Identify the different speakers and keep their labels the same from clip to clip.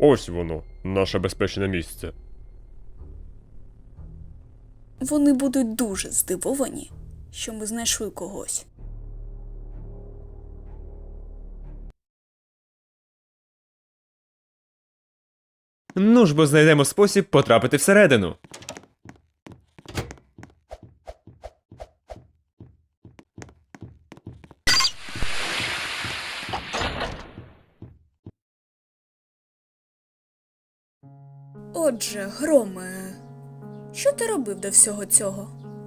Speaker 1: Ось воно, наше безпечне місце.
Speaker 2: Вони будуть дуже здивовані, що ми знайшли когось.
Speaker 3: Ну ж бо знайдемо спосіб потрапити всередину.
Speaker 2: Отже, Громе, що ти робив до всього цього?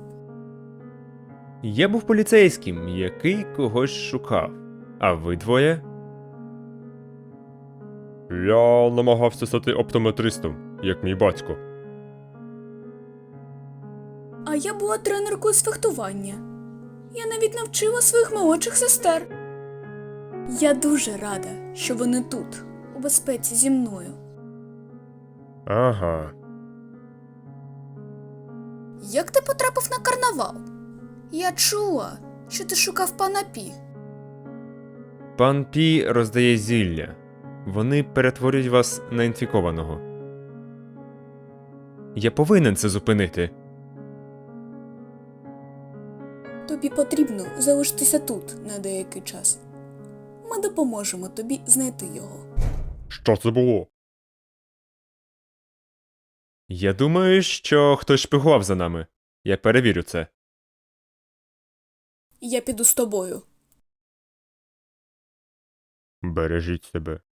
Speaker 3: Я був поліцейським, який когось шукав. А ви двоє?
Speaker 1: Я намагався стати оптометристом, як мій батько.
Speaker 2: А я була тренеркою з фехтування. Я навіть навчила своїх молодших сестер. Я дуже рада, що вони тут, у безпеці зі мною.
Speaker 1: Ага.
Speaker 2: Як ти потрапив на карнавал? Я чула, що ти шукав пана Пі.
Speaker 3: Пан Пі роздає зілля. Вони перетворюють вас на інфікованого. Я повинен це зупинити.
Speaker 2: Тобі потрібно залишитися тут на деякий час. Ми допоможемо тобі знайти його.
Speaker 1: Що це було?
Speaker 3: Я думаю, що хтось шпигував за нами. Я перевірю це.
Speaker 2: Я піду з тобою.
Speaker 1: Бережіть себе.